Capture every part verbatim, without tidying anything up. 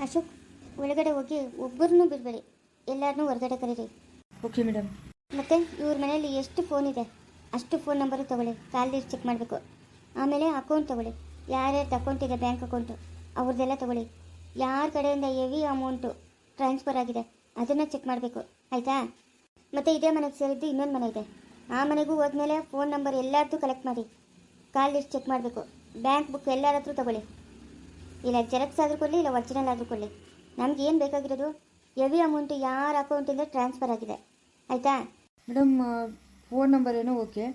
ಅಶೋಕ್, ಒಳಗಡೆ ಹೋಗಿ ಒಬ್ಬರನ್ನೂ ಬಿಡಬೇಡಿ, ಎಲ್ಲರನ್ನೂ ಹೊರಗಡೆ ಕರೀರಿ. Okay madam. ಮತ್ತು ಇವ್ರ ಮನೆಯಲ್ಲಿ ಎಷ್ಟು ಫೋನ್ ಇದೆ ಅಷ್ಟು ಫೋನ್ ನಂಬರು ತೊಗೊಳ್ಳಿ, ಕಾಲ್ ಚೆಕ್ ಮಾಡಬೇಕು. ಆಮೇಲೆ ಅಕೌಂಟ್ ತೊಗೊಳ್ಳಿ, ಯಾರ್ಯಾರ್ದು ಅಕೌಂಟ್ ಇದೆ ಬ್ಯಾಂಕ್ ಅಕೌಂಟು ಅವ್ರದ್ದೆಲ್ಲ ತೊಗೊಳ್ಳಿ. ಯಾರ ಕಡೆಯಿಂದ ಹೆವಿ ಅಮೌಂಟು ಟ್ರಾನ್ಸ್ಫರ್ ಆಗಿದೆ ಅದನ್ನು ಚೆಕ್ ಮಾಡಬೇಕು, ಆಯಿತಾ? ಮತ್ತು ಇದೇ ಮನೆಗೆ ಸೇರಿದ್ದು ಇನ್ನೊಂದು ಮನೆ ಇದೆ, ಆ ಮನೆಗೂ ಹೋದ್ಮೇಲೆ ಫೋನ್ ನಂಬರ್ ಎಲ್ಲರದ್ದು ಕಲೆಕ್ಟ್ ಮಾಡಿ, ಕಾಲ್ ಲಿಸ್ಟ್ ಚೆಕ್ ಮಾಡಬೇಕು. ಬ್ಯಾಂಕ್ ಬುಕ್ ಎಲ್ಲರ ಹತ್ರ ತೊಗೊಳ್ಳಿ, ಇಲ್ಲ ಜೆರಾಕ್ಸ್ ಆದರೂ ಕೊಡಲಿ, ಇಲ್ಲ ಒರಿಜಿನಲ್ ಆದರೂ ಕೊಡಲಿ. ನಮ್ಗೆ ಏನು ಬೇಕಾಗಿರೋದು ಹೆವಿ ಅಮೌಂಟು ಯಾರ ಅಕೌಂಟಿಂದ ಟ್ರಾನ್ಸ್ಫರ್ ಆಗಿದೆ, ಆಯಿತಾ? ಮೇಡಮ್, ಫೋನ್ ನಂಬರ್ ಏನೋ okay,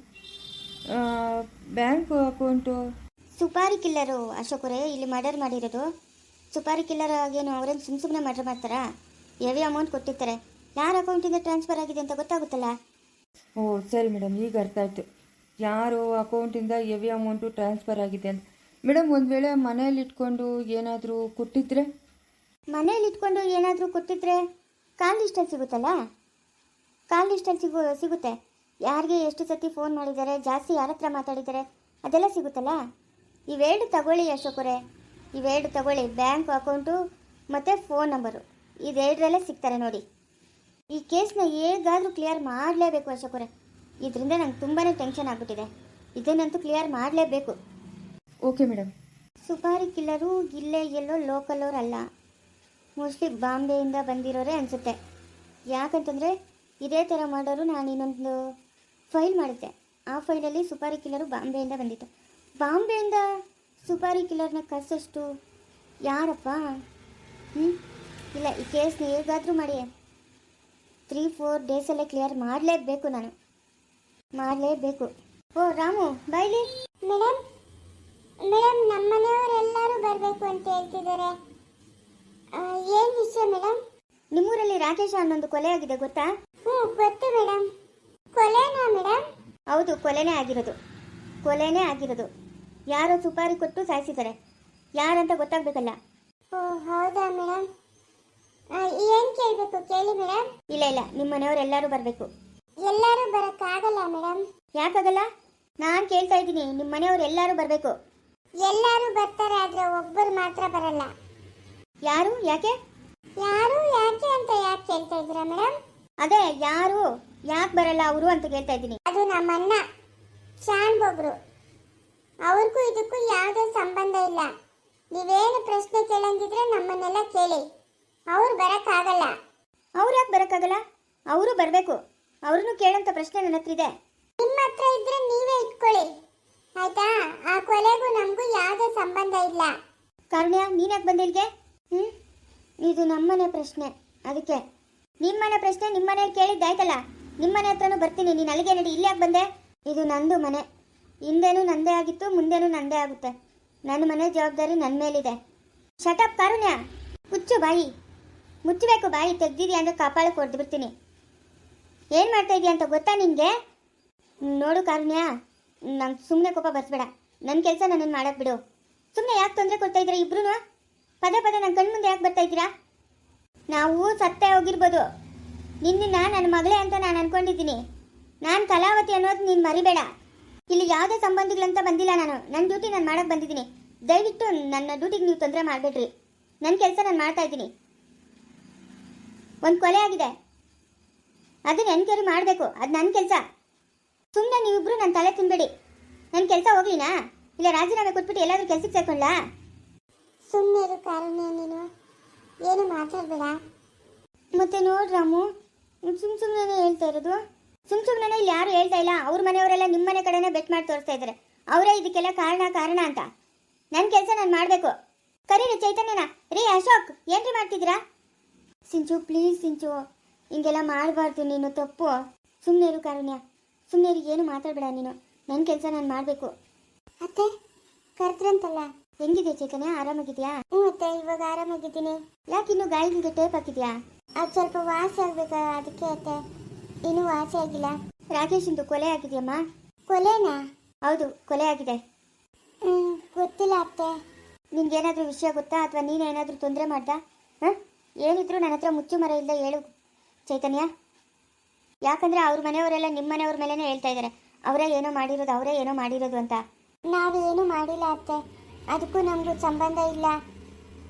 bank account supari killer ಅಶೋಕರೇ ಇಲ್ಲಿ ಮರ್ಡರ್ ಮಾಡಿರೋದು. ಸುಪಾರಿ ಕಿಲ್ಲರ್ ಆಗೇನು ಅವರೇನು ಸುಮ್ಮ ಸುಮ್ಮನೆ ಮರ್ಡರ್ ಮಾಡ್ತಾರಾ? ಹೆವಿ ಅಮೌಂಟ್ ಕೊಟ್ಟಿರ್ತಾರೆ, ಯಾರ ಅಕೌಂಟಿಂದ ಟ್ರಾನ್ಸ್ಫರ್ ಆಗಿದೆ ಅಂತ ಗೊತ್ತಾಗುತ್ತಲ್ಲ. ಓ ಸರಿ ಮೇಡಮ್, ಈಗ ಅರ್ಥ ಆಯಿತು ಯಾರು ಅಕೌಂಟಿಂದ ಹೆವಿ ಅಮೌಂಟು ಟ್ರಾನ್ಸ್ಫರ್ ಆಗಿದೆ ಅಂತ. ಮೇಡಮ್, ಒಂದು ವೇಳೆ ಮನೇಲಿ ಇಟ್ಕೊಂಡು ಏನಾದರೂ ಕೊಟ್ಟಿದ್ರೆ? ಮನೇಲಿ ಇಟ್ಕೊಂಡು ಏನಾದರೂ ಕೊಟ್ಟಿದ್ರೆ ಕಾಲ್ ಲಿಸ್ಟಲ್ಲಿ ಸಿಗುತ್ತಲ್ಲ, ಕಾಲ್ ಲಿಸ್ಟಲ್ಲಿ ಸಿಗು ಸಿಗುತ್ತೆ ಯಾರಿಗೆ ಎಷ್ಟು ಸತಿ ಫೋನ್ ಮಾಡಿದ್ದಾರೆ, ಜಾಸ್ತಿ ಯಾರ ಹತ್ರ ಮಾತಾಡಿದ್ದಾರೆ ಅದೆಲ್ಲ ಸಿಗುತ್ತಲ್ಲ. ಇವೆರಡು ತಗೊಳ್ಳಿ ಅಶೋಕರೇ, ಇವೆರಡು ತಗೊಳ್ಳಿ, ಬ್ಯಾಂಕ್ ಅಕೌಂಟು ಮತ್ತು ಫೋನ್ ನಂಬರು, ಇದೆರಡರಲ್ಲೇ ಸಿಗ್ತಾರೆ ನೋಡಿ. ಈ ಕೇಸ್ನ ಹೇಗಾದರೂ ಕ್ಲಿಯರ್ ಮಾಡಲೇಬೇಕು ಅಶೋಕರೇ, ಇದರಿಂದ ನಂಗೆ ತುಂಬಾ ಟೆನ್ಷನ್ ಆಗಿಬಿಟ್ಟಿದೆ, ಇದನ್ನಂತೂ ಕ್ಲಿಯರ್ ಮಾಡಲೇಬೇಕು. Okay madam. ಸುಪಾರಿ ಕಿಲ್ಲರು ಇಲ್ಲೇ ಎಲ್ಲೋ ಲೋಕಲೋರು ಅಲ್ಲ, ಮೋಸ್ಟ್ಲಿ ಬಾಂಬೆಯಿಂದ ಬಂದಿರೋರೇ ಅನಿಸುತ್ತೆ. ಯಾಕಂತಂದರೆ ಇದೇ ಥರ ಮಾಡೋರು ನಾನು ಇನ್ನೊಂದು ಫೈಲ್ ಮಾಡಿದ್ದೆ, ಆ ಫೈಲಲ್ಲಿ ಸುಪಾರಿ ಕಿಲ್ಲರು ಬಾಂಬೆಯಿಂದ ಬಂದಿತ್ತು. ಬಾಂಬೆಯಿಂದ ಸುಪಾರಿ ಕಿಲ್ಲರ್ನ ಕರ್ಸೋಷ್ಟು ಯಾರಪ್ಪ? ಹ್ಞೂ ಇಲ್ಲ, ಈ ಕೇಸ್ನ ಹೇಗಾದರೂ ಮಾಡಿ ತ್ರೀ ಫೋರ್ ಡೇಸಲ್ಲೇ ಕ್ಲಿಯರ್ ಮಾಡಲೇಬೇಕು, ನಾನು ಮಾಡಲೇಬೇಕು. ಓ ರಾಮು ಬೈಲಿ. ಮೇಡಮ್ ಮೇಡಮ್ ನಮ್ಮ ಮನೆಯವರೆಲ್ಲರೂ ಬರಬೇಕು ಅಂತ ಹೇಳ್ತಿದ್ದಾರೆ, ಏನು ವಿಷಯ ಮೇಡಮ್? ನಿಮ್ಮೂರಲ್ಲಿ ರಾಕೇಶ ಅನ್ನೊಂದು ಕೊಲೆ ಆಗಿದೆ ಗೊತ್ತಾ? ಹ್ಞೂ ಗೊತ್ತು ಮೇಡಮ್. ಕೊಲೆನಾ ಮೇಡಮ್? ಹೌದು, ಕೊಲೆನೇ ಆಗಿರೋದು, ಕೊಲೆನೇ ಆಗಿರೋದು. ಯಾರೋ ಸುಪಾರಿ ಕೊಟ್ಟು ಸಾಯಿಸಿದ್ದಾರೆ, ಯಾರಂತ ಗೊತ್ತಾಗಬೇಕಲ್ಲ. ಓ ಹೌದಾ ಮೇಡಮ್? ಏನು ಕೇಳಬೇಕು ಕೇಳಿ ಮೇಡಮ್. ಇಲ್ಲ ಇಲ್ಲ, ನಿಮ್ಮ ಮನೆಯವರೆಲ್ಲರೂ ಬರಬೇಕು. ಎಲ್ಲರೂ ಬರೋಕ್ಕಾಗಲ್ಲ ಮೇಡಮ್. ಯಾಕಾಗಲ್ಲ? ನಾನು ಕೇಳ್ತಾ ಇದ್ದೀನಿ, ನಿಮ್ಮ ಮನೆಯವರು ಎಲ್ಲರೂ ಬರಬೇಕು. ಎಲ್ಲರೂ ಬರ್ತಾರೆ, ಆದರೆ ಒಬ್ಬರು ಮಾತ್ರ ಬರಲ್ಲ. ಯಾರು? ಯಾಕೆ? ಯಾರು ಯಾಕೆ ಅಂತ ಯಾಕೆ ಕೇಳ್ತಾ ಇದ್ದೀರಾ ಮೇಡಮ್? ಅದೇ ಯಾರು ಯಾಕೆ ಬರಲ್ಲ ಅವರು ಅಂತ ಕೇಳ್ತಾ ಇದ್ದೀನಿ. ಅದು ನಮ್ಮಣ್ಣ ಶಾನ್ ಬೊಬ್ರು, ಅವ್ರಿಗೂ ಇದಕ್ಕೂ ಯಾವುದೇ ಸಂಬಂಧ ಇಲ್ಲ. ನೀವೇನು ಪ್ರಶ್ನೆ ಕೇಳಂಗಿದ್ರೆ ನಮ್ಮನ್ನೆಲ್ಲ ಕೇಳಿ, ಅವ್ರು ಬರೋಕ್ಕಾಗಲ್ಲ. ಅವ್ರು ಯಾಕೆ ಬರೋಕ್ಕಾಗಲ್ಲ? ಅವರು ಬರಬೇಕು, ಅವ್ರನ್ನೂ ಕೇಳೋಂಥ ಪ್ರಶ್ನೆ ನನ್ನ ಹತ್ರ ಇದೆ. ನಿಮ್ಮ ಹತ್ರ ಇದ್ರೆ ನೀವೇ ಇಟ್ಕೊಳ್ಳಿ, ಆಯ್ತಾ? ಆ ಕೊಲೆಗೂ ನಮಗೂ ಯಾವುದೇ ಸಂಬಂಧ ಇಲ್ಲ. ಕಾರುಣ್ಯ, ನೀನು ಯಾಕೆ ಬಂದೆ ಇಲ್ಲಿಗೆ? ಹ್ಞೂ ಇದು ನಮ್ಮನೆ ಪ್ರಶ್ನೆ, ಅದಕ್ಕೆ ನಿಮ್ಮನೆ ಪ್ರಶ್ನೆ ನಿಮ್ಮನೇಲಿ ಕೇಳಿದ್ದಾಯ್ತಲ್ಲ, ನಿಮ್ಮನೆ ಹತ್ರನೂ ಬರ್ತೀನಿ, ನೀನು ಅಲ್ಲಿಗೆ ನಡಿ. ಇಲ್ಲಿ ಯಾಕೆ ಬಂದೆ? ಇದು ನಂದು ಮನೆ, ಹಿಂದೆನೂ ನಂದೇ ಆಗಿತ್ತು, ಮುಂದೆನೂ ನಂದೇ ಆಗುತ್ತೆ. ನನ್ನ ಮನೆ ಜವಾಬ್ದಾರಿ ನನ್ನ ಮೇಲಿದೆ. ಶಟಪ್ ಕಾರುಣ್ಯ, ಮುಚ್ಚು ಬಾಯಿ, ಮುಚ್ಚಬೇಕು ಬಾಯಿ, ತೆಗ್ದಿದ್ಯಾ ಅಂದರೆ ಕಾಪಾಳಕ್ಕೆ ಹೊಡೆದು ಬಿಡ್ತೀನಿ. ಏನು ಮಾಡ್ತಾ ಇದೀಯ ಅಂತ ಗೊತ್ತಾ ನಿನಗೆ? ನೋಡು ಕಾರುಣ್ಯ, ನಂಗೆ ಸುಮ್ಮನೆ ಕೋಪ ಬರ್ಸ್ಬೇಡ, ನನ್ನ ಕೆಲಸ ನನ್ನನ್ನು ಮಾಡೋಕ್ಕೆ ಬಿಡು. ಸುಮ್ಮನೆ ಯಾಕೆ ತೊಂದರೆ ಕೊಡ್ತಾ ಇದ್ದೀರಾ ಇಬ್ರು? ಪದೇ ಪದೇ ನನ್ನ ಕಣ್ಣು ಮುಂದೆ ಯಾಕೆ ಬರ್ತಾ ಇದ್ದೀರಾ? ನಾವು ಸತ್ತೇ ಹೋಗಿರ್ಬೋದು, ನಿನ್ನ ನನ್ನ ಮಗಳೇ ಅಂತ ನಾನು ಅನ್ಕೊಂಡಿದ್ದೀನಿ. ನಾನು ಕಲಾವತಿ ಅನ್ನೋದು ನೀನು ಮರಿಬೇಡ. ಇಲ್ಲಿ ಯಾವುದೇ ಸಂಬಂಧಿಗಳಂತ ಬಂದಿಲ್ಲ, ನಾನು ನನ್ನ ಡ್ಯೂಟಿ ನಾನು ಮಾಡೋಕ್ಕೆ ಬಂದಿದ್ದೀನಿ. ದಯವಿಟ್ಟು ನನ್ನ ಡ್ಯೂಟಿಗೆ ನೀವು ತೊಂದರೆ ಮಾಡಬೇಡ್ರಿ, ನನ್ನ ಕೆಲಸ ನಾನು ಮಾಡ್ತಾ ಇದ್ದೀನಿ. ಒಂದು ಕೊಲೆ ಆಗಿದೆ, ಅದನ್ನ ಎನ್ಕ್ವೈರಿ ಮಾಡಬೇಕು, ಅದು ನನ್ನ ಕೆಲಸ. ಸುಮ್ಮನೆ ನೀವಿಬ್ರು ನನ್ನ ತಲೆ ತಿನ್ಬೇಡಿ. ನನ್ನ ಕೆಲಸ ಹೋಗ್ಲಿನಾ, ಇಲ್ಲ ರಾಜೀನಾಮೆ ಕೊಟ್ಬಿಟ್ಟು ಎಲ್ಲಾದರೂ ಕೆಲಸಕ್ಕೆ ಸೇರ್ಕೊಳ್ಳಾ? ಸುಮ್ಮನೆ ಇರು ಕಾರುಣ್ಯ, ನೀನು ಏನು ಮಾತಾಡಬೇಡ. ಮತ್ತೆ ನೋಡ್ರಿ ರಾಮು, ಸುಮ್ಮ ಸುಮ್ಮನೆ ಹೇಳ್ತಾ ಇರೋದು, ಸುಮ್ಮ ಸುಮ್ಮನೆ ಇಲ್ಲಿ ಯಾರು ಹೇಳ್ತಾ ಇಲ್ಲ. ಅವ್ರ ಮನೆಯವರೆಲ್ಲ ನಿಮ್ಮ ಮನೆ ಕಡೆನೇ ಬೆಟ್ ಮಾಡಿ ತೋರಿಸ್ತಾ ಇದ್ದಾರೆ, ಅವರೇ ಇದಕ್ಕೆಲ್ಲ ಕಾರಣ ಕಾರಣ ಅಂತ. ನನ್ನ ಕೆಲಸ ನಾನು ಮಾಡಬೇಕು. ಕರೀರಿ ಚೈತನ್ಯನ. ರೀ ಅಶೋಕ್, ಏನ್ರಿ ಮಾಡ್ತಿದ್ದೀರಾ? ಸಿಂಚು ಪ್ಲೀಸ್ ಸಿಂಚು, ಹಿಂಗೆಲ್ಲ ಮಾಡಬಾರ್ದು, ನೀನು ತಪ್ಪು. ಸುಮ್ಮನೆ ಇರು ಕಾರುಣ್ಯ, ಸುಮ್ಮನೆ ಇರು, ಏನು ಮಾತಾಡಬೇಡ ನೀನು. ನನ್ನ ಕೆಲಸ ನಾನು ಮಾಡಬೇಕು. ಅತ್ತೆ ಕರೆದ್ರಂತಲ್ಲ, ಹೆಂಗಿದೆ ಚೈತನ್ಯ, ಆರಾಮಾಗಿದೆಯಾ? ಹ್ಞೂ ಅತ್ತೆ, ಇವಾಗ ಆರಾಮಾಗಿದ್ದೀನಿ. ಯಾಕೆ ಇನ್ನೂ ಗಾಯಗಳಿಗೆ ಟೇಪ್ ಹಾಕಿದ್ಯಾ? ಅದು ಸ್ವಲ್ಪ ವಾಸಿ ಆಗ್ಬೇಕಾ, ಅದಕ್ಕೆ ಅತ್ತೆ. ಇನ್ನೂ ವಾಸಿ ಆಗಿಲ್ಲ. ರಾಕೇಶ್ ಇಂದು ಕೊಲೆ ಆಗಿದೆಯಮ್ಮ? ಕೊಲೆನಾ? ಹೌದು, ಕೊಲೆ ಆಗಿದೆ. ಹ್ಞೂ ಗೊತ್ತಿಲ್ಲ ಅತ್ತೆ. ನಿನ್ಗೇನಾದರೂ ವಿಷಯ ಗೊತ್ತಾ, ಅಥವಾ ನೀನೇನಾದರೂ ತೊಂದರೆ ಮಾಡ್ದಾ? ಹಾಂ, ಏನಿದ್ರು ನನ್ನ ಹತ್ರ ಮುಚ್ಚು ಮರ ಇಲ್ಲದೆ ಹೇಳು ಚೈತನ್ಯ. ಯಾಕಂದರೆ ಅವ್ರ ಮನೆಯವರೆಲ್ಲ ನಿಮ್ಮ ಮನೆಯವ್ರ ಮೇಲೇ ಹೇಳ್ತಾ ಇದ್ದಾರೆ, ಅವರೇ ಏನೋ ಮಾಡಿರೋದು, ಅವರೇ ಏನೋ ಮಾಡಿರೋದು ಅಂತ. ನಾವೇನು ಮಾಡಿಲ್ಲ ಅತ್ತೆ, ಅದಕ್ಕೂ ನಮಗೂ ಸಂಬಂಧ ಇಲ್ಲ.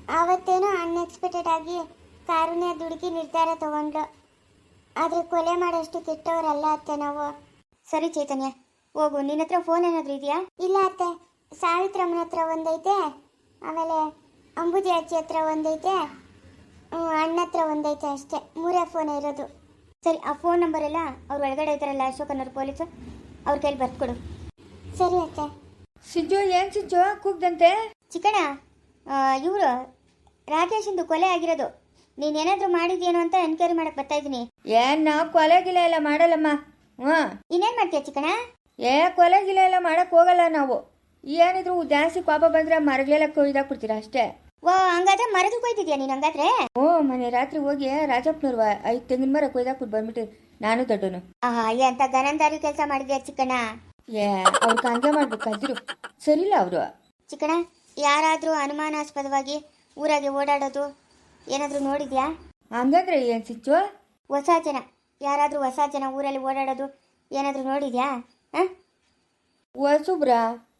ಅವತ್ತೇನೋ ಅನ್ಎಕ್ಸ್ಪೆಕ್ಟೆಡ್ ಆಗಿ ಕಾರುಣ್ಯ ದುಡುಕಿ ನಿರ್ಧಾರ ತಗೊಂಡ್ಲು. ಆದ್ರೆ ಕೊಲೆ ಮಾಡೋಷ್ಟು ಕೆಟ್ಟವರಲ್ಲ ಅತ್ತೆ ನಾವು. ಸರಿ ಚೈತನ್ಯ, ಹೋಗು. ನಿನ್ನ ಹತ್ರ ಫೋನ್ ಏನಾದರೂ ಇದೆಯಾ? ಇಲ್ಲ ಅತ್ತೆ, ಸಾವಿತ್ರಮ್ಮನ ಹತ್ರ ಒಂದೈತೆ, ಆಮೇಲೆ ಅಂಬುಜಿ ಅಜ್ಜಿ ಹತ್ರ ಒಂದೈತೆ, ಹ್ಮ್, ಅಣ್ಣ ಹತ್ರ ಒಂದೈತೆ, ಅಷ್ಟೇ. ಮೂರೇ ಫೋನ್ ಇರೋದು. ಸರಿ, ಆ ಫೋನ್ ನಂಬರ್ ಎಲ್ಲ ಅವ್ರು ಒಳಗಡೆ ಇದ್ದಾರಲ್ಲ ಅಶೋಕ್ ಅನ್ನೋರು ಪೊಲೀಸು, ಅವ್ರ ಕೈಲಿ ಬರ್ಕೊಡು. ಸರಿ ಅತ್ತೆ. ಸಿಂಚು ಏನು ಸಿಂಚು ಕೂಗ್ದಂತೆ? ಚಿಕ್ಕಣ್ಣ, ಇವರು ರಾಕೇಶಿಂದು ಕೊಲೆ ಆಗಿರೋದು. ನೀನೇನಾದರೂ ಮಾಡಿದ್ಯೇನೋ ಅಂತ ಎನ್ಕ್ವೈರಿ ಮಾಡಕ್ಕೆ ಬರ್ತಾ ಇದ್ದೀನಿ. ಏನ್ ನಾವು ಕೊಲೆ ಗಿಲೆ ಎಲ್ಲ ಮಾಡಲ್ಲಮ್ಮ. ಹ್ಞೂ, ಇನ್ನೇನು ಮಾಡ್ತೀಯ ಚಿಕ್ಕಣ್ಣ? ಏ ಕೊಲೆ ಗಿಲೆ ಎಲ್ಲ ಮಾಡಕ್ಕೆ ಹೋಗಲ್ಲ ನಾವು. ಏನಿದ್ರು ಜಾಸ್ತಿ ಕೋಪ ಬಂದ್ರೆ ಮರಗಳೆಲ್ಲ ಕೊಯ್ದಾಕ್ಬಿಡ್ತೀರಾ ಅಷ್ಟೇ. ಓ, ಹಂಗಾದ್ರೆ ಮರದು ಕೊಯ್ತಿದ್ಯಾ ನೀನು ಹಂಗಾದ್ರೆ? ಓ, ಮನೆ ರಾತ್ರಿ ಹೋಗಿ ರಾಜಪ್ಪನವ್ರು ಐದು ತೆಂಗಿನ ಮರ ಕೊಯ್ದಾಕ್ಬಿಟ್ಟು ಬಂದ್ಬಿಟ್ಟು ನಾನು ದೊಡ್ಡನು. ಆಹಾ, ಎಂತ ಗನಂದಾರಿ ಕೆಲಸ ಮಾಡಿದ್ಯಾ ಚಿಕ್ಕಣ್ಣ. ಏ ಅವ್ರಿಗೆ ಹಂಗೆ ಮಾಡ್ಬೇಕು ಕಲ್ತಿರು. ಸರಿಲ್ಲ ಅವರು. ಚಿಕ್ಕಣ್ಣ, ಯಾರಾದರೂ ಅನುಮಾನಾಸ್ಪದವಾಗಿ ಊರಾಗೆ ಓಡಾಡೋದು ಏನಾದರೂ ನೋಡಿದ್ಯಾ? ಹಂಗಂದ್ರೆ ಏನು ಸಿಂಚು? ಹೊಸ ಜನ ಯಾರಾದರೂ ಹೊಸ ಜನ ಊರಲ್ಲಿ ಓಡಾಡೋದು ಏನಾದರೂ ನೋಡಿದ್ಯಾ? ಹಾಂ, ಹೊಸಬ್ರ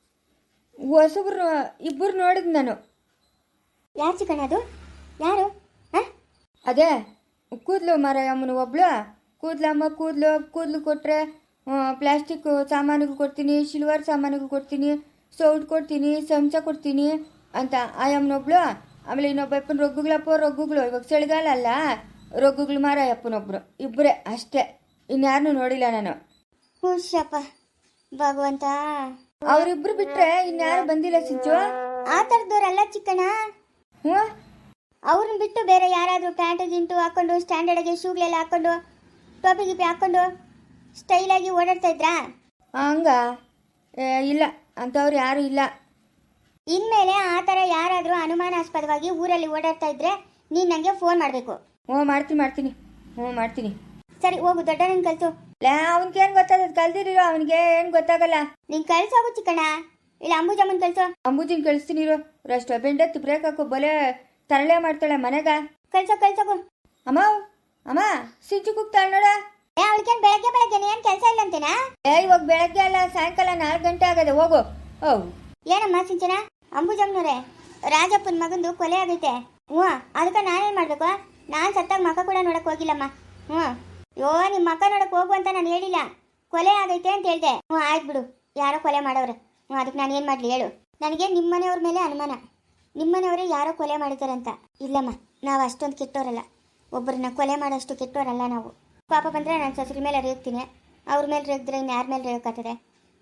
ಹೊಸಬ್ರು ಇಬ್ಬರು ನೋಡಿದ್ ನಾನು. ಯಾರು ಚಿಕ್ಕಣ್ಣ ಅದು? ಯಾರು? ಹಾಂ, ಅದೇ ಕೂದಲು ಮರ ಅಮ್ಮನ ಒಬ್ಳು. ಕೂದಲಮ್ಮ ಕೂದಲು ಕೂದಲು ಕೊಟ್ಟರೆ ಪ್ಲಾಸ್ಟಿಕ್ ಸಾಮಾನಿಗೂ ಕೊಡ್ತೀನಿ, ಸಿಲ್ವರ್ ಸಾಮಾನಿಗೂ ಕೊಡ್ತೀನಿ, ಸೌಟ್ ಕೊಡ್ತೀನಿ, ಚಮಚ ಕೊಡ್ತೀನಿ ಅಂತ ಆ ಅಮ್ಮನೊಬ್ಳು. ಆಮೇಲೆ ಇನ್ನೊಬ್ಬ ಅಪ್ಪನ ರೊಗ್ಗುಗಳಪ್ಪ ರೊಗ್ಗುಗಳು. ಇವಾಗ ಚಳಿಗಾಲ ಅಲ್ಲ, ರೊಗ್ಗುಗಳು ಮಾರ ಅಪ್ಪನೊಬ್ರು. ಇಬ್ಬರೇ ಅಷ್ಟೇ, ಇನ್ಯಾರನ್ನೂ ನೋಡಿಲ್ಲ ನಾನು. ಹುಷಪ್ಪ ಭಗವಂತ. ಅವರಿಬ್ರು ಬಿಟ್ರೆ ಇನ್ಯಾರು ಬಂದಿಲ್ಲ ಸಿಂಚು. ಆ ಥರದವ್ರಲ್ಲ ಚಿಕ್ಕಣ್ಣ. ಹ್ಞೂ, ಅವ್ರನ್ನ ಬಿಟ್ಟು ಬೇರೆ ಯಾರಾದರೂ ಪ್ಯಾಂಟು ಗಿಂಟು ಹಾಕ್ಕೊಂಡು ಸ್ಟ್ಯಾಂಡರ್ಡಾಗಿ ಶೂಗಳೆಲ್ಲ ಹಾಕ್ಕೊಂಡು ಟೋಪಿ ಗಿಪಿ ಹಾಕ್ಕೊಂಡು ಸ್ಟೈಲಾಗಿ ಓಡಾಡ್ತಾ ಇದ್ರಾ? ಹಂಗ ಏ, ಇಲ್ಲ, ಅಂಥವ್ರು ಯಾರೂ ಇಲ್ಲ. ಇನ್ಮೇಲೆ ಆ ಥರ ಯಾರಾದರೂ ಅನುಮಾನಾಸ್ಪದವಾಗಿ ಊರಲ್ಲಿ ಓಡಾಡ್ತಾ ಇದ್ರೆ ನೀನು ನನಗೆ ಫೋನ್ ಮಾಡಬೇಕು. ಹ್ಞೂ ಮಾಡ್ತೀನಿ ಮಾಡ್ತೀನಿ ಹ್ಞೂ ಮಾಡ್ತೀನಿ. ಸರಿ, ಹೋಗು. ದೊಡ್ಡವನನ್ನು ಕಳಿಸು. ಲೇ, ಅವನಿಗೇನು ಗೊತ್ತಾಗದು? ಕಲ್ದಿರೋ ಅವನಿಗೆ ಏನು ಗೊತ್ತಾಗಲ್ಲ. ನೀನು ಕಳ್ಸೋಗು ಚಿಕ್ಕಣ್ಣ. ಇಲ್ಲ ಅಂಬುಜಮ್ಮನ್ ಕಳ್ಸೋ. ಅಂಬುಜಿನ ಕಳಿಸ್ತೀನಿ ಇರೋ. ರಷ್ಟು ಬೆಂಡತ್ತು ಬ್ರೇಕ್ ಹಾಕು, ಬಲೆ ತರಳೆ ಮಾಡ್ತಾಳೆ ಮನೆಗ. ಕಳ್ಸೋ ಕಳ್ಸೋಗು. ಅಮ್ಮ ಅಮ್ಮ ಸಿಂಚು ಕೂಗ್ತಾಳೆ ನೋಡ. ಏ, ಅವಳಿಗೇನು ಬೆಳಗ್ಗೆ ಬೆಳಗ್ಗೆ ಏನು ಕೆಲಸ ಇಲ್ಲ ಅಂತೇನಾ? ಏ, ಇವಾಗ ಬೆಳಗ್ಗೆ ಅಲ್ಲ, ಸಾಯಂಕಾಲ ನಾಲ್ಕು ಗಂಟೆ ಆಗದೆ. ಹೋಗು. ಓ, ಏನಮ್ಮ ಸಿಂಚನ? ಅಂಬುಜಮ್ಮನವ್ರೆ, ರಾಜಪ್ಪನ ಮಗಂದು ಕೊಲೆ ಆಗೈತೆ. ಹ್ಞೂ, ಅದಕ್ಕೆ ನಾನೇನು ಮಾಡಬೇಕು? ನಾನು ಸತ್ತಾಗ ಮಕ್ಕ ಕೂಡ ನೋಡಕ್ಕೆ ಹೋಗಿಲ್ಲಮ್ಮ. ಹ್ಞೂ, ಯೋ ನಿಮ್ಮ ಮಕ್ಕ ನೋಡಕ್ಕೆ ಹೋಗು ಅಂತ ನಾನು ಹೇಳಿಲ್ಲ. ಕೊಲೆ ಆಗೈತೆ ಅಂತ ಹೇಳ್ದೆ. ಹ್ಞೂ, ಆಯ್ತು ಬಿಡು, ಯಾರೋ ಕೊಲೆ ಮಾಡೋರು. ಹ್ಞೂ, ಅದಕ್ಕೆ ನಾನು ಏನು ಮಾಡಲಿ ಹೇಳು? ನನಗೆ ನಿಮ್ಮನೆಯವ್ರ ಮೇಲೆ ಅನುಮಾನ. ನಿಮ್ಮನೆಯವರೇ ಯಾರೋ ಕೊಲೆ ಮಾಡಿದ್ದಾರೆ ಅಂತ. ಇಲ್ಲಮ್ಮ, ನಾವು ಅಷ್ಟೊಂದು ಕೆಟ್ಟೋರಲ್ಲ. ಒಬ್ಬರನ್ನ ಕೊಲೆ ಮಾಡೋಷ್ಟು ಕೆಟ್ಟೋರಲ್ಲ ನಾವು. ಪಾಪ ಬಂದರೆ ನಾನು ಸೊಸರ ಮೇಲೆ ರೇಗ್ತೀನಿ. ಅವ್ರ ಮೇಲೆ ರೇಗಿದ್ರೆ ಇನ್ನು ಯಾರ ಮೇಲೆ ರೇಗಕ್ಕಾಗ್ತದೆ?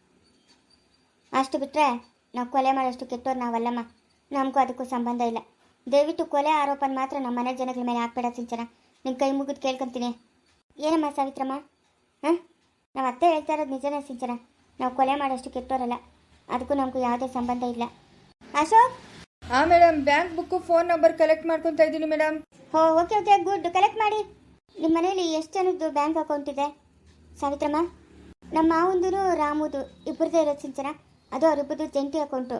ಅಷ್ಟು ಬಿಟ್ಟರೆ ನಾವು ಕೊಲೆ ಮಾಡೋಷ್ಟು ಕೆಟ್ಟೋರು ನಾವಲ್ಲಮ್ಮ. ನಮಗೂ ಅದಕ್ಕೂ ಸಂಬಂಧ ಇಲ್ಲ. ದಯವಿಟ್ಟು ಕೊಲೆ ಆರೋಪನ ಮಾತ್ರ ನಮ್ಮ ಮನೆ ಜನಗಳ ಮೇಲೆ ಹಾಕ್ಬೇಡ ಸಿಂಚನ. ನಿನ್ನ ಕೈ ಮುಗಿದು ಕೇಳ್ಕೊತೀನಿ. ಏನಮ್ಮ ಸಾವಿತ್ರಮ್ಮ? ಹಾಂ, ನಾವು ಅತ್ತೆ ಹೇಳ್ತಾ ಇರೋದು ನಿಜನೇ ಸಿಂಚನ. ನಾವು ಕೊಲೆ ಮಾಡೋಷ್ಟು ಕೆಟ್ಟೋರಲ್ಲ. ಅದಕ್ಕೂ ನಮಗೂ ಯಾವುದೇ ಸಂಬಂಧ ಇಲ್ಲ. ಅಶೋಕ್? ಹಾಂ madam, bank book phone number collect ಮಾಡ್ಕೊತಾ ಇದ್ದೀನಿ ಮೇಡಮ್. ಹೋ, ಓಕೆ ಓಕೆ, ಗುಡ್. ಕಲೆಕ್ಟ್ ಮಾಡಿ. ನಿಮ್ಮ ಮನೇಲಿ ಎಷ್ಟು ಜನದ್ದು ಬ್ಯಾಂಕ್ ಅಕೌಂಟ್ ಇದೆ ಸಾವಿತ್ರಮ್ಮ? ನಮ್ಮ ಮಾವಂದು ರಾಮುದು ಇಬ್ಬರದೇ ಇರೋದು ಸಿಂಚನ. ಅದು ಅವರಿಬ್ಬರದು ಜಂಟಿ ಅಕೌಂಟು.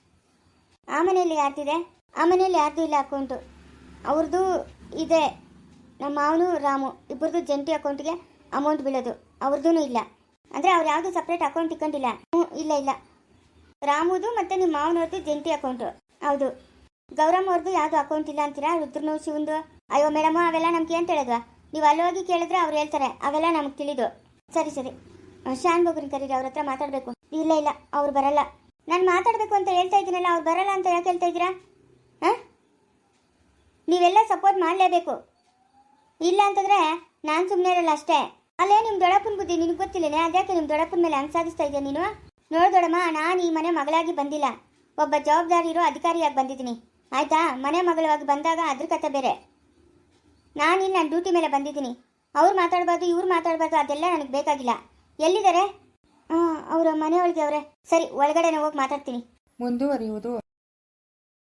ಆ ಮನೆಯಲ್ಲಿ ಯಾರ್ದಿದೆ? ಆ ಮನೆಯಲ್ಲಿ ಯಾರ್ದು ಇಲ್ಲ ಅಕೌಂಟು. ಅವ್ರದ್ದು ಇದೆ. ನಮ್ಮ ಮಾವನು ರಾಮು ಇಬ್ಬರದು ಜಂಟಿ ಅಕೌಂಟಿಗೆ ಅಮೌಂಟ್ ಬೀಳೋದು. ಅವ್ರದ್ದೂ ಇಲ್ಲ. ಅಂದರೆ ಅವ್ರು ಯಾವುದು ಸಪ್ರೇಟ್ ಅಕೌಂಟ್ ಇಟ್ಕೊಂಡಿಲ್ಲ. ಹ್ಞೂ, ಇಲ್ಲ ಇಲ್ಲ. ರಾಮುದು ಮತ್ತು ನಿಮ್ಮ ಮಾವನವ್ರದ್ದು ಜಂಟಿ ಅಕೌಂಟು. ಹೌದು. ಗೌರಮ್ಮ ಅವ್ರದ್ದು ಯಾವುದು ಅಕೌಂಟ್ ಇಲ್ಲ ಅಂತೀರಾ? ರುದ್ರನು ಶಿವಂದು? ಅಯ್ಯೋ ಮೇಡಮ್, ಅವೆಲ್ಲ ನಮ್ಗೆ ಏನು ತಿಳಿದ್ವಾ? ನೀವು ಅಲ್ಲಿ ಹೋಗಿ ಕೇಳಿದ್ರೆ ಅವ್ರು ಹೇಳ್ತಾರೆ. ಅವೆಲ್ಲ ನಮ್ಗೆ ತಿಳಿದು. ಸರಿ ಸರಿ, ಶಾನ್ ಬೊಗ್ರನ್ನ ಕರೀರಿ, ಅವ್ರ ಹತ್ರ ಮಾತಾಡಬೇಕು. ಇಲ್ಲ ಇಲ್ಲ, ಅವ್ರು ಬರಲ್ಲ. ನಾನು ಮಾತಾಡಬೇಕು ಅಂತ ಹೇಳ್ತಾ ಇದ್ದೀನಲ್ಲ, ಅವ್ರು ಬರಲ್ಲ ಅಂತ ಯಾಕೆ ಹೇಳ್ತಾ ಇದ್ದೀರಾ? ಹಾಂ, ನೀವೆಲ್ಲ ಸಪೋರ್ಟ್ ಮಾಡಲೇಬೇಕು. ಇಲ್ಲ ಅಂತಂದರೆ ನಾನು ಸುಮ್ಮನೆ ಇರಲ್ಲ ಅಷ್ಟೇ. ಅಲ್ಲೇ ನಿಮ್ಮ ದೊಡ್ಡಪ್ಪನ ಬುದ್ಧಿ ನಿನಗೆ ಗೊತ್ತಿಲ್ಲನೇ? ಅದ್ಯಾಕೆ ನಿಮ್ಮ ದೊಡ್ಡಪ್ಪನ ಮೇಲೆ ಹಂಗೆ ಸಾಧಿಸ್ತಾ ಇದೆಯಾ ನೀನು? ನೋಡು ದೊಡ್ಡಮ್ಮ, ನಾನು ಈ ಮನೆ ಮಗಳಾಗಿ ಬಂದಿಲ್ಲ, ಒಬ್ಬ ಜವಾಬ್ದಾರಿ ಇರೋ ಅಧಿಕಾರಿಯಾಗಿ ಬಂದಿದ್ದೀನಿ. ಆಯಿತಾ? ಮನೆ ಮಗಳಾಗಿ ಬಂದಾಗ ಅದ್ರ ಕತೆ ಬೇರೆ. ನಾನಿಲ್ಲಿ ನನ್ನ ಡ್ಯೂಟಿ ಮೇಲೆ ಬಂದಿದ್ದೀನಿ. ಅವ್ರು ಮಾತಾಡಬಾರ್ದು, ಇವ್ರು ಮಾತಾಡಬಾರ್ದು, ಅದೆಲ್ಲ ನನಗೆ ಬೇಕಾಗಿಲ್ಲ. ಎಲ್ಲಿದ್ದಾರೆ? ಹಾಂ, ಅವರ ಮನೆಯೊಳಗೆ ಅವರೇ. ಸರಿ, ಒಳಗಡೆನೇ ಹೋಗಿ ಮಾತಾಡ್ತೀನಿ. ಮುಂದುವರಿಯುವುದು.